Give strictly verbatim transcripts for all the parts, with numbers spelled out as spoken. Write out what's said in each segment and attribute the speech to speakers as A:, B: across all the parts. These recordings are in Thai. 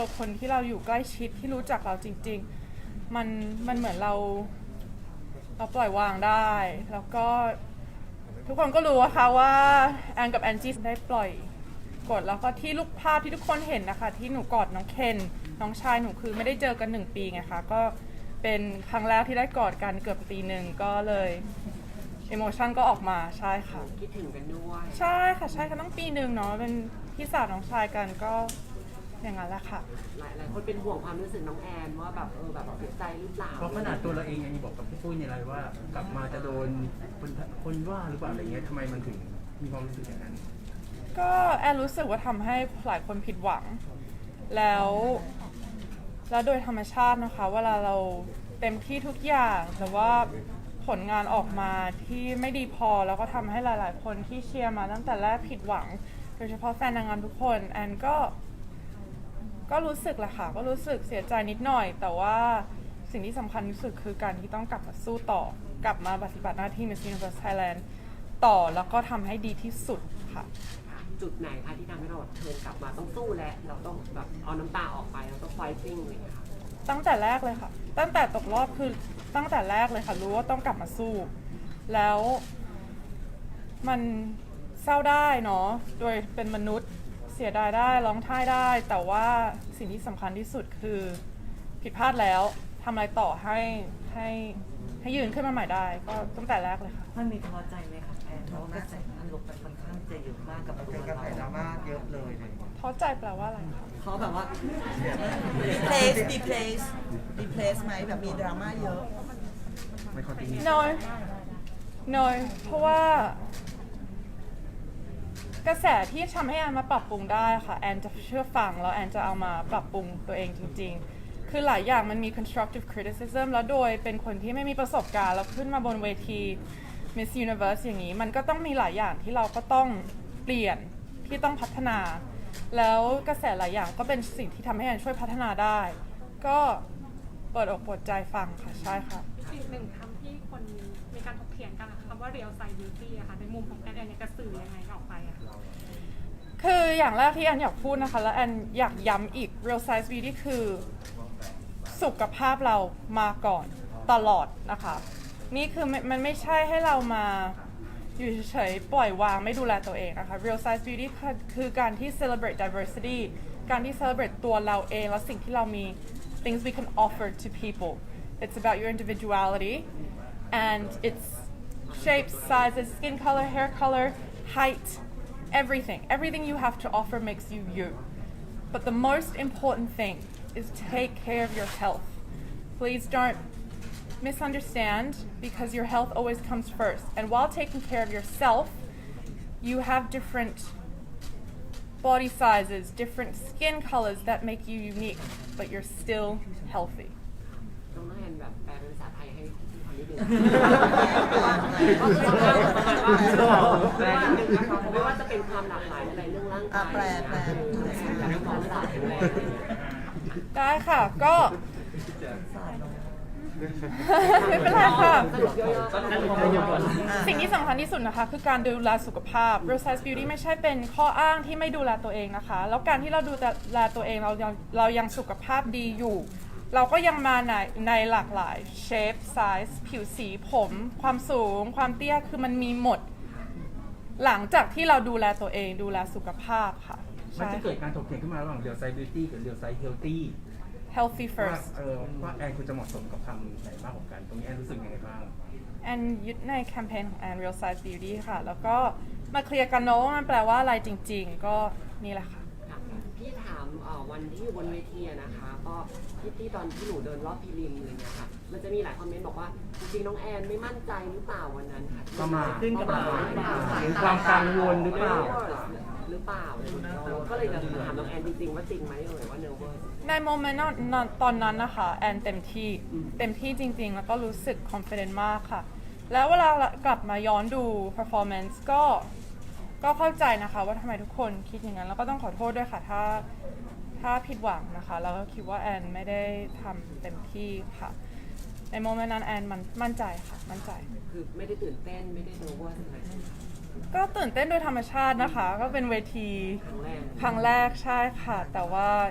A: คนที่เราอยู่ใกล้ชิดที่รู้จักเราจริงๆมันมันเหมือนเราเราปล่อยวางได้ แล้วก็ทุกคนก็รู้อะค่ะว่าแอนกับแอนจี้ได้ปล่อยกดแล้วก็ที่ลูกภาพที่ทุกคนเห็นนะคะที่หนูกอดน้องเคนน้องชายหนูคือไม่ได้เจอกันหนึ่งปีไงคะก็เป็นครั้งแรกที่ได้กอดกันเกือบปีหนึ่งก็เลยอิโมชันก็ออกมาใช่ค่ะ
B: คิดถึงกันด้วย
A: ใช่ค่ะใช่ค่ะต้องปีหนึ่งเนาะเป็นพี่สาวน้องชายกันก็อย่างนั้นแหละค่ะ
B: หลายหลายคนเป็นห่วงความรู้สึกน้องแอนว่าแบบเออแบบเสียใจหรือเปล่า
C: เพราะขนาดตัวเราเองยังบอกกับพี่ปุ้ยในไลน์ว่ากลับมาจะโดนคนคนว่าหรือเปล่าอะไรเงี้ยทำไมมันถึงมีความรู้สึกอย่างนั้น
A: ก็แอนรู้สึกว่าทำให้หลายคนผิดหวัง แล้วแล้วโดยธรรมชาตินะคะเวลาเราเต็มที่ทุกอย่างแต่ว่าผลงานออกมาที่ไม่ดีพอแล้วก็ทำให้หลายๆ คนที่เชียร์มาตั้งแต่แรกผิดหวัง โดยเฉพาะแฟนนางงามทุกคนแอนก็ก็รู้สึกแหละค่ะก็รู้สึกเสียใจนิดหน่อย แต่ว่าสิ่งที่สำคัญที่สุดคือการที่ต้องกลับมาสู้ต่อกลับมาปฏิบัติหน้าที่ Miss Universe Thailand ต่อแล้วก็ทำให้ดีที่สุดค่ะ
B: จุดไหนคะที่ทำให้เราแบบเทิร์นกลับมาต้องสู้และเราต้องแบบเอาน้ำตาออกไปเราต้องไฟติ้งอะไรอย่างเงี้ยค่ะ
A: ตั้งแต่แรกเลยค่ะ ตั้งแต่ตกรอบคือตั้งแต่แรกเลยค่ะ รู้ว่าต้องกลับมาสู้ แล้วมันเศร้าได้เนาะ โดยเป็นมนุษย์เสียดายได้ร้องไห้ได้ แต่ว่าสิ่งที่สำคัญที่สุดคือผิดพลาดแล้วทำอะไรต่อให้ให้ให้ยืนขึ้นมาใหม่ได้ ก็ตั้งแต่แรกเลยค่ะ
D: มันมีท้อใจไหมครับแอนเพราะว่ากระแสมันลบไปค่อนข้างจะเยอะมากกับตัว
E: เป็นกระ
D: เรา
E: แสดราม่าเยอะเลยเลย
A: ท้อใจแปลว่าอะไรคะ
D: เขาแบบว่า replace replace replace ไหมแบบมีดราม่าเยอะ
C: ไม่คอนติเนีย
A: no no เพราะว่า กระแสที่ทำให้แอนมาปรับปรุงได้ค่ะแอนจะเชื่อฟังแล้วแอนจะเอามาปรับปรุงตัวเองจริงๆ คือหลายอย่างมันมี constructive criticism แล้วโดยเป็นคนที่ไม่มีประสบการณ์แล้วขึ้นมาบนเวที Miss Universe อย่างนี้มันก็ต้องมีหลายอย่างที่เราก็ต้องเปลี่ยนที่ต้องพัฒนา แล้วกระแสหลายอย่างก็เป็นสิ่งที่ทำให้แอนช่วยพัฒนาได้ ก็เปิดอกเปิดใจฟังค่ะใช่ค่ะ
F: อีกหนึ่งคำที่คนมีการถกเถียงกันนะคะคำว่า real size beauty อะค่ะในมุมของแอนแอนเนี่ยจะสื่อยังไงออกไปอะคะ
A: คืออย่างแรกที่แอนอยากพูดนะคะและแอนอยากย้ำอีก real size beauty คือสุขภาพเรามาก่อนตลอดนะคะ นี่คือมันไม่ใช่ให้เรามาอยู่เฉยๆปล่อยวางไม่ดูแลตัวเองนะคะ real size beauty คือคือการที่ celebrate diversity การที่ celebrate ตัวเราเองและสิ่งที่เรามี things we can offer to people it's about your individuality and it's shapes sizes skin color hair color height everything everything you have to offer makes you you but the most important thing is take care of your health please don't misunderstand because your health always comes first and while taking care of yourself you have different body sizes different skin colors that make you unique but you're still healthy
B: ต้องแอนแบบแปลเป็นภาษาไทยให้พี่ฟังนิดนึงแปลนิดนึงนะคะเพราะว่าจะเป็นความหลากหลายในเรื่องร่างกาย
D: แปลแปล
B: การความหลากหลาย
A: ได้ค่ะก็ไม่เป็นไรค่ะ สิ่งที่สำคัญที่สุดนะคะคือการดูแลสุขภาพ real size beauty ไม่ใช่เป็นข้ออ้างที่ไม่ดูแลตัวเองนะคะ แล้วการที่เราดูแลตัวเองเรายังเรายังสุขภาพดีอยู่ เราก็ยังมาในในหลากหลาย shape size ผิวสีผม ความสูง ความเตี้ยคือมันมีหมด หลังจากที่เราดูแลตัวเองดูแลสุขภาพค่ะ
C: มัน
A: ใช่
C: จะเกิดการถกเถียงขึ้นมาระหว่างเรียวไซบิวตี้กับเรียวไซเฮลตี้
A: healthy
C: ว่า
A: first
C: เออว่าแอนคุณจะเหมาะสมกับคำไหนมากกว่ากัน ตรงนี้แอนรู้สึกยังไงบ้าง
A: แอนยึดในแคมเปญของแอน Real Size Beauty ค่ะ แล้วก็มาเคลียร์กันเนาะว่ามันแปลว่าอะไรจริงๆ ก็นี่แหละค่ะ
B: พี่ถามวันที่อยู่บนเวทีนะคะ ก็ที่ที่ตอนที่หนูเดินรอบพรีลิมอะไรเงี้ยค่ะ มันจะมีหลายคอมเมนต์บอกว่าจริงๆน้องแอนไม่มั่นใจหรือเปล่าวันนั้นค่ะ
C: ประมาท
D: ขึ้นกับเรา
C: หรือความกังวลหรือเปล่า
B: หรือเปล่าเราก็เลยจะถามน้องแอนจริงๆว่าจริงไหมเอ่ยว่าเนอร์เวอร์
A: ในโมเมนต์นั้นตอนนั้นนะคะ แอนเต็มที่เต็มที่จริงๆ แล้วก็รู้สึก confident มากค่ะ แล้วเวลากลับมาย้อนดู performance ก็ก็เข้าใจนะคะว่าทำไมทุกคนคิดอย่างนั้น แล้วก็ต้องขอโทษด้วยค่ะถ้าถ้าผิดหวังนะคะ แล้วก็คิดว่าแอนไม่ได้ทำเต็มที่ค่ะ ในโมเมนต์นั้นแอนมันมั่นใจค่ะ มั่นใจ
B: คือไม่ได้ตื่นเต้นไม่ได้เนอร์เวอร์อะไร
A: ก็ตื่นเต้นโดยธรรมชาตินะคะ ก็เป็นเวที
B: ครั้งแรก
A: ครั้งแรกใช่ค่ะ แต่ว่า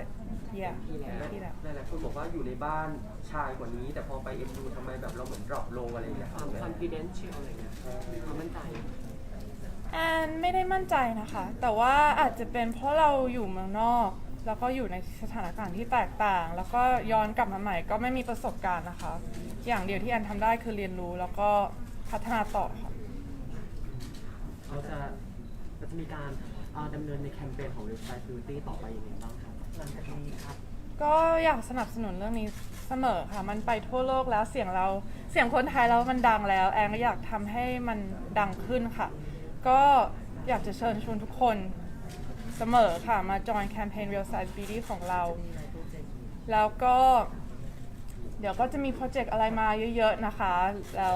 A: yeah
B: ที่แล้ว
A: ที่แล้ว
E: หลายๆคนบอกว่าอยู่ในบ้านชายกว่านี้ แต่พอไปเอ็นดูทำไมแบบเราเหมือนดรอปลงอะไรอย่างเงี้ย
B: ความ confidential อะไรเงี้ยความมั่นใจ
A: แอนไม่ได้มั่นใจนะคะ แต่ว่าอาจจะเป็นเพราะเราอยู่เมืองนอก แล้วก็อยู่ในสถานการณ์ที่แตกต่าง แล้วก็ย้อนกลับมาใหม่ก็ไม่มีประสบการณ์นะคะ อย่างเดียวที่แอนทำได้คือเรียนรู้แล้วก็พัฒนาต่อค่ะ
G: เราจะเราจะมีการเอ่อดำเนินในแคมเปญของ Real Size Beauty ต่อไปยังไงบ้างครับหลังจากนี้ครับ
A: ก็อยากสนับสนุนเรื่องนี้เสมอค่ะ มันไปทั่วโลกแล้วเสียงเราเสียงคนไทยแล้วมันดังแล้วแอนก็อยากทำให้มันดังขึ้นค่ะ ก็อยากจะเชิญชวนทุกคนเสมอค่ะมาจอยแคมเปญ Real Size Beauty ของเรา แล้วก็เดี๋ยวก็จะมีโปรเจกต์อะไรมาเยอะๆนะคะ แล้ว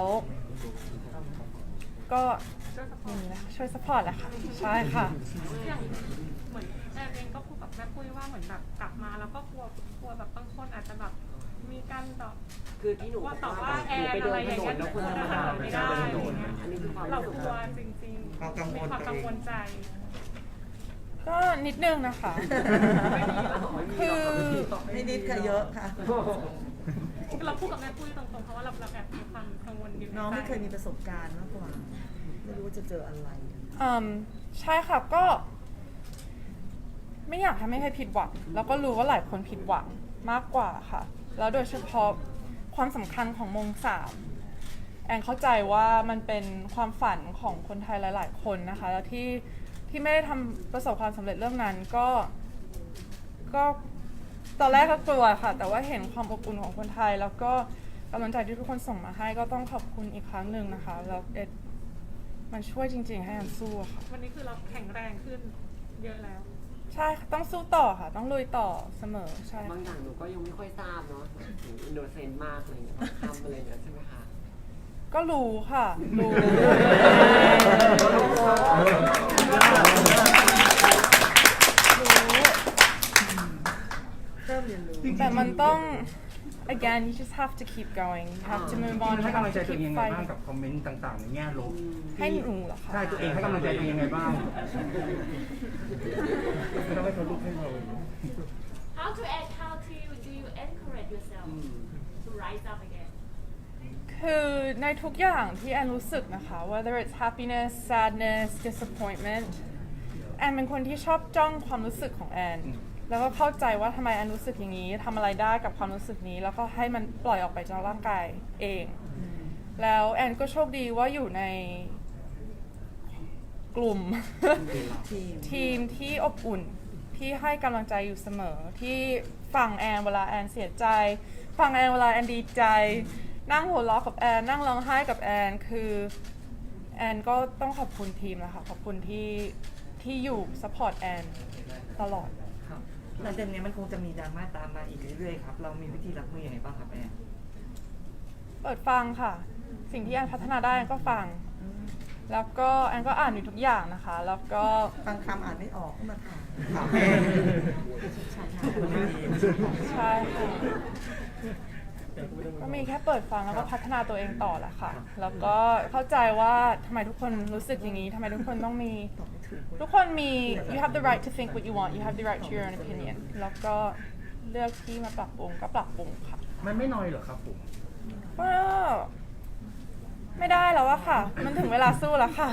A: ก็นี่นะช่วยสปอร์ตแหละค่ะ ใช่ค่ะ
F: อย่างเหมือนแอนเองก็พูดกับแม่ปุ้ยว่าเหมือนแบบกลับมาแล้วก็กลัวกลัวแบบบางคนอาจจะแบบมีการตอบ
B: คือที่หนู
F: ว่าตอบว่า
B: ห
F: แอ
B: นู
F: น
B: ไป
F: อะ
B: เดิ
F: ไร
B: น
F: อ
B: ถ
F: ย่าง
B: น
F: เงี้
B: น
F: ย
B: แล้วคนธรรมดา
F: ไม่
B: ไม่
F: ได้
B: ได้
F: อะไร
B: เดินถนน
F: เงี้ย
B: อันนี้คือความ
F: เรา
B: รู้สึก
F: กลัวจริงๆ
D: ความกังวล
F: มีความกังวลใจ
A: ก็นิดนึงนะคะ คือ
D: ไม่นิดค่ะเยอะค่ะ
F: เราพูดกับแม่ปุ้ยตรงๆเพราะว่าเราเราแอบมีความกังวลอยู่
D: น้องไม่เคยมี
F: ในใจ
D: ประสบการณ์มากกว่า ไม่รู้ว่าจะเจออะไร
A: อืมใช่ค่ะก็ ไม่อยากทำให้ใครผิดหวัง แล้วก็รู้ว่าหลายคนผิดหวังมากกว่าค่ะ แล้วโดยเฉพาะความสำคัญของมงสามแอนเข้าใจว่ามันเป็นความฝันของคนไทยหลาย ๆ คนนะคะ แล้วที่ที่ไม่ได้ทำประสบความสำเร็จเรื่องนั้นก็ ก็ตอนแรกก็กลัวค่ะ แต่ว่าเห็นความอบอุ่นของคนไทย แล้วก็กำลังใจที่ทุกคนส่งมาให้ก็ต้องขอบคุณอีกครั้งหนึ่งนะคะ แล้วเอ็ดมันช่วยจริง ๆ ให้แอนสู้อะค่ะ
F: วันนี้คือเราแข็งแรงขึ้นเยอะแล้ว
A: ใช่ค่ะต้องสู้ต่อค่ะ ต้องลุยต่อเสมอใช่
B: บางอย่างหนูก็ยังไม่ค่อยทราบเนาะหนูอินโนเซนต์มากอะไรเงี้ยทำอะไรเงี้ยใช่ไหมคะ
A: ก็รู้ค่ะ รู้
D: เริ่มเรียนรู้
A: แต่มันต้อง again you just have to keep going you have to move on
C: ให้
A: you
C: กำลั
A: have
C: งใจ
A: to
C: ตัวเอง
A: keep
C: ยังไงบ้าง
A: fighting
C: กับคอมเมนต์ต่างๆในแง่ลบ
A: ให้หนูเหรอคะ
C: ใช่ตัวเองให้กำลังใจตัวเองยังไงบ้างไม่ต้องให้เขาลุกให้เรา
H: How to act? How to do you encourage yourself to rise up again?
A: คือในทุกอย่างที่แอนรู้สึกนะคะ whether it's happiness sadness disappointment แอนเป็นคนที่ชอบจ้องความรู้สึกของแอน แล้วก็เข้าใจว่าทำไมแอนรู้สึกอย่างนี้ทำอะไรได้กับความรู้สึกนี้ แล้วก็ให้มันปล่อยออกไปจากร่างกายเอง แล้วแอนก็โชคดีว่าอยู่ในกลุ่ม
D: ทีม
A: ทีมที่อบอุ่นที่ให้กำลังใจอยู่เสมอ ที่ฟังแอนเวลาแอนเสียใจ ฟังแอนเวลาแอนดีใจ นั่งหัวเราะกับแอนนั่งร้องไห้กับแอนคือแอนก็ต้องขอบคุณทีมนะคะขอบคุณที่ที่อยู่ซัพพอร์ตแอนตลอด
I: ครับหลังจากนี้มันคงจะมีดราม่าตามมาอีกเรื่อยๆครับ เรามีวิธีรับมือยังไงบ้างครับแอน
A: เปิดฟังค่ะ สิ่งที่แอนพัฒนาได้แอนก็ฟัง แล้วก็แอนก็อ่านอยู่ทุกอย่างนะคะ แล้วก็
D: บางคำอ่านไม่ออกก็มาถาม
I: ถามแอน
A: ใช่ค่ะก็มีแค่เปิดฟังแล้วก็พัฒนาตัวเองต่อแหละค่ะ แล้วก็เข้าใจว่าทำไมทุกคนรู้สึกอย่างนี้ทำไมทุกคนต้องมี ทุกคนมี you have the right to think what you want you have the right to your own opinion แล้วก็เลือกที่มาปรับปรุงก็ปรับปรุงค่ะ
C: มันไม่น้อยเหรอครับผม
A: ก็ไม่ได้แล้วอะค่ะ มันถึงเวลาสู้แล้วค่ะ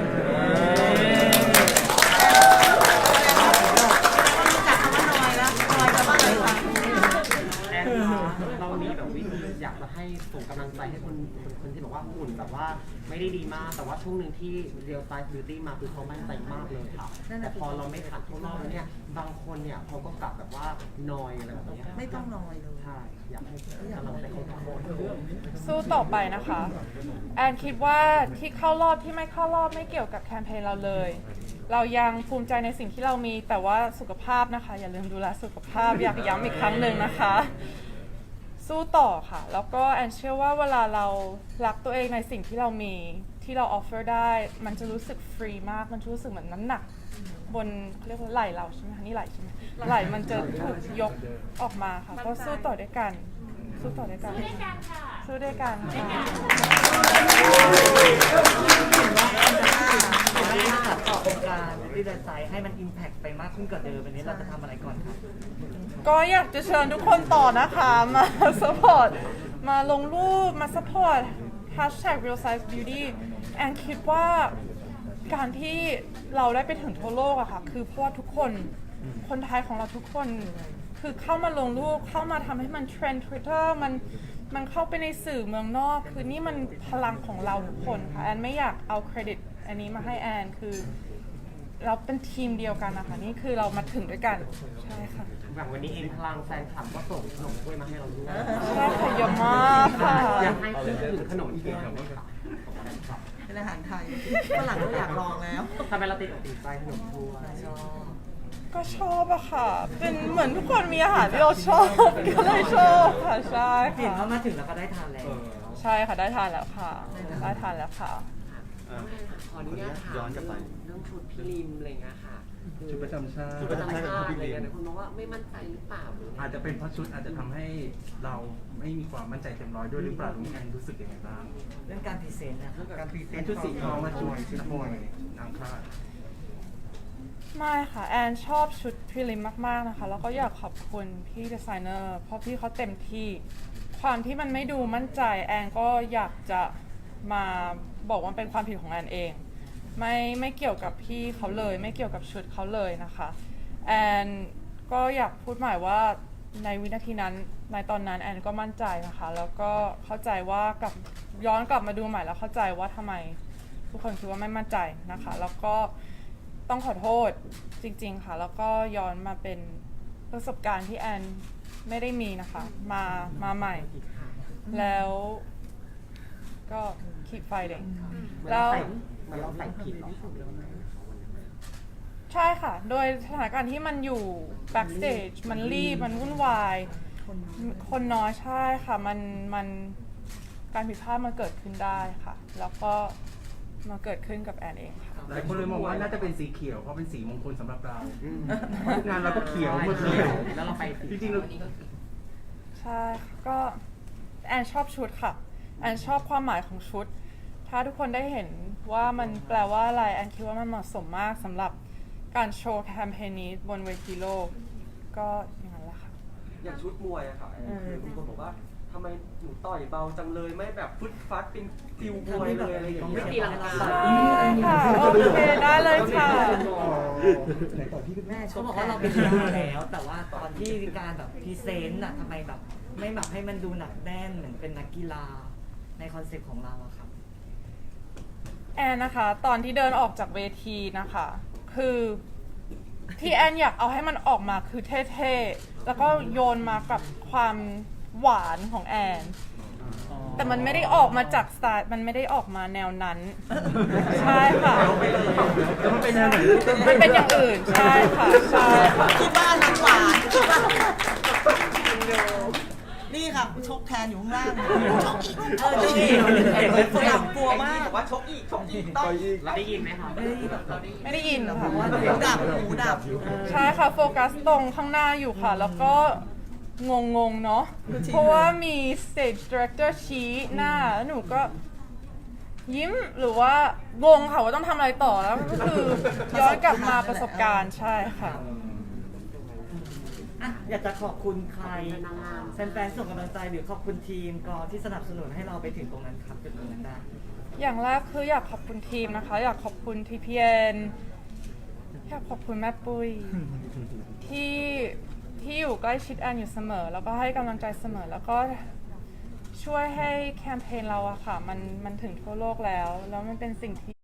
G: แอนเรามีแบบวิธีอยากจะให้ส่งกำลังใจให้คนคนคนที่บอกว่าหุ่นแบบว่าไม่ได้ดีมาก แต่ว่าช่วงหนึ่งที่ Real Size Beauty มาคือเขามั่นใจมากเลยค่ะ แต่พอเราไม่ผ่านเข้ารอบแล้วเนี่ยบางคนเนี่ยเขาก็กลับแบบว่านอยอะไรแบบเนี้ย
D: ไม่ต้องนอยเลย
G: ใช่อยากให้กำลังใจเขาทุกคน
A: สู้ต่อไปนะคะ แอนคิดว่าที่เข้ารอบที่ไม่เข้ารอบไม่เกี่ยวกับแคมเปญเราเลย เรายังภูมิใจในสิ่งที่เรามีแต่ว่าสุขภาพนะคะ อย่าลืมดูแลสุขภาพ อยากย้ำอีกครั้งหนึ่งนะคะ สู้ต่อค่ะ แล้วก็แอนเชื่อว่าเวลาเรารักตัวเองในสิ่งที่เรามีที่เราออฟเฟอร์ได้ มันจะรู้สึกฟรีมาก มันจะรู้สึกเหมือนน้ำหนัก บนเขาเรียกว่าไหล่เราใช่ไหมคะนี่ไหล่ใช่ไหมไหล่มันจะถูกยกออกมาค่ะ ก็สู้ต่อด้วยกัน สู้ต่อด้วยกัน
H: สู้ด้วยกันค่ะ
A: สู้ด้วยกันค่ะ
I: ขัดต่อโครงการที่จะใส่ให้มันอิมแพคไปมากขึ้นกว่าเดิมวันนี้เราจะทำอะไรก่อนครับ
A: ก็อยากจะเชิญทุกคนต่อนะคะ มา support มาลงรูป มา support hashtag real size beauty แอนคิดว่าการที่เราได้ไปถึงทั่วโลกอะค่ะ คือเพราะว่าทุกคน คนไทยของเราทุกคน คือเข้ามาลงรูป เข้ามาทำให้มันเทรนด์ Twitter มัน มันเข้าไปในสื่อเมืองนอก คือนี่มันพลังของเราทุกคนค่ะ แอนไม่อยากเอาเครดิตอันนี้มาให้แอน คือเราเป็นทีมเดียวกันนะคะ นี่คือเรามาถึงด้วยกัน ใช่ค่ะ
G: อย่างวันนี้เองพลังแฟนคลับก็ส่งขนมถ้วยมาให้เราด้วย
A: ใช่ค่ะเยอะมากค่ะ
G: อยากให้พี่ถือขนมถ้วย
D: เป็นอาหารไทยฝรั่งก็อยากลองแล้ว
G: ทำไมเราติดอกติดใจขนมถ้วย
A: ก็ชอบอะค่ะ เป็นเหมือนทุกคนมีอาหารที่เราชอบ ก็เลยชอบค่ะ ใช่
I: เห็น
A: ค่ะ
I: ว่ามาถึงแล้วก็ได้ทานแล้ว
A: ใช่ค่ะได้ทานแล้วค่ะ ได้ทานแล้วค่ะ
B: ขออนุญาตถามเรื่องชุดพี่ริมอะไรเงี้ยค่ะคือ
C: ชุดประจำชาติ
B: ชุดประจำชาติอะไรเงี้ยคุณบอกว่าไม่มั่นใจหรือเปล่าหรือไง
C: อาจจะเป็นเพราะชุดอาจจะทำให้เราไม่มีความมั่นใจเต็มร้อยด้วยหรือเปล่าตรงนี้แอนรู้สึกยังไงบ้าง
I: เรื่องการพรีเซนต์นะครับ
G: การพรีเซ
C: เป็น น
G: ต์
C: ชุดสีทองมาชุดนักมวยนางคาด
A: ไม่ค่ะ แอนชอบชุดพรีลิมมาก ๆ นะคะ แล้วก็อยากขอบคุณพี่ดีไซเนอร์ เพราะพี่เขาเต็มที่ ความที่มันไม่ดูมั่นใจ แอนก็อยากจะมาบอกว่าเป็นความผิดของแอนเอง ไม่ไม่เกี่ยวกับพี่เขาเลย ไม่เกี่ยวกับชุดเขาเลยนะคะ แอนก็อยากพูดหมายว่าในวินาทีนั้น ในตอนนั้นแอนก็มั่นใจนะคะ แล้วก็เข้าใจว่ากลับย้อนกลับมาดูใหม่แล้วเข้าใจว่าทำไมทุกคนคิดว่าไม่มั่นใจนะคะ แล้วก็ต้องขอโทษจริงๆค่ะ แล้วก็ย้อนมาเป็นประสบการณ์ที่แอนไม่ได้มีนะคะ มามาใหม่ แล้วก็ keep fighting แล้ว
G: มันเราใส่ผิดหรอ
A: ใช่ค่ะ โดยสถานการณ์ที่มันอยู่ backstage มันรีบ มันวุ่นวาย คนน้อยใช่ค่ะ มันมันการผิดพลาดมันเกิดขึ้นได้ค่ะ แล้วก็มาเกิดขึ้นกับแอนเองค่ะ
C: หลายคนเลยมองว่าน่าจะเป็นสีเขียวเพราะเป็นสีมงคลสำหรับเราทุกงานเราก็เขียวหมดเลย
G: แล้วเราไป
C: จริงๆเรา
A: ใช่ค่ะก็แอนชอบชุดค่ะ แอนชอบความหมายของชุด ถ้าทุกคนได้เห็นว่ามันแปลว่าอะไร แอนคิดว่ามันเหมาะสมมากสำหรับการโชว์แคมเปญนี้บนเวทีโลก ก็อย่างนั้นแหละค่ะ
E: อย่างชุดมวยอะค่ะคือมีคนบอกว่าทำไมหนูต่อยเบาจังเลยไม่แบบฟึดฟัดเป็นฟิวมวยเลยอะไรอย่างเงี้ย
B: ไม่ตีลังกา
A: ใช่ค่ะ โอเค ได้เลยค่ะ
I: แม่เขาบอกว่าเราเป็นกีฬาแล้ว แต่ว่าตอนที่การแบบพรีเซนต์อะทำไมแบบไม่แบบให้มันดูหนักแน่นเหมือนเป็นนักกีฬาในคอนเซ็ปต์ของเราอะครับ
A: แอนนะคะ ตอนที่เดินออกจากเวทีนะคะ คือที่แอนอยากเอาให้มันออกมาคือเท่ๆ แล้วก็โยนมากับความหวานของแอน แต่มันไม่ได้ออกมาจากสไตล์มันไม่ได้ออกมาแนวนั้น ใช่ค่ะ
C: แล้วมันเป็นแนวไหน
A: มันเป็นอย่างอื่น ใช่ค่ะ ใช่ค่ะ
D: คิดว่าน้ำหวานคิดว่านี่ค่ะชกแทนอยู่ข้างล่างชกอีกเออชกอีกฝรั่งกลัวมาก
E: บอกว่าชกอีกชกอีกต้อง
G: เราได้ยินไหมคะ
A: ไม่ได้ยินค่ะ
D: หูดับหูดับ
A: ใช่ค่ะ โฟกัสตรงข้างหน้าอยู่ค่ะ แล้วก็งงงๆเนาะ เพราะว่ามี stage director ชี้หน้า แล้วหนูก็ยิ้มหรือว่างงค่ะว่าต้องทำอะไรต่อแล้วก็คือย้อนกลับมาประสบการณ์ใช่ค่ะ
I: อ่ะอยากจะขอบคุณใครแฟนๆส่งกำลังใจหรือขอบคุณทีมกอที่สนับสนุนให้เราไปถึงตรงนั้นครับจุดตรงนั้นได้
A: อย่างแรกคืออยากขอบคุณทีมนะคะ อยากขอบคุณ ที พี เอ็น อยากขอบคุณแม่ปุ้ย ที่ที่อยู่ใกล้ชิดแอนอยู่เสมอ แล้วก็ให้กำลังใจเสมอ แล้วก็ช่วยให้แคมเปญเราอะค่ะ มันมันถึงทั่วโลกแล้ว แล้วมันเป็นสิ่งที่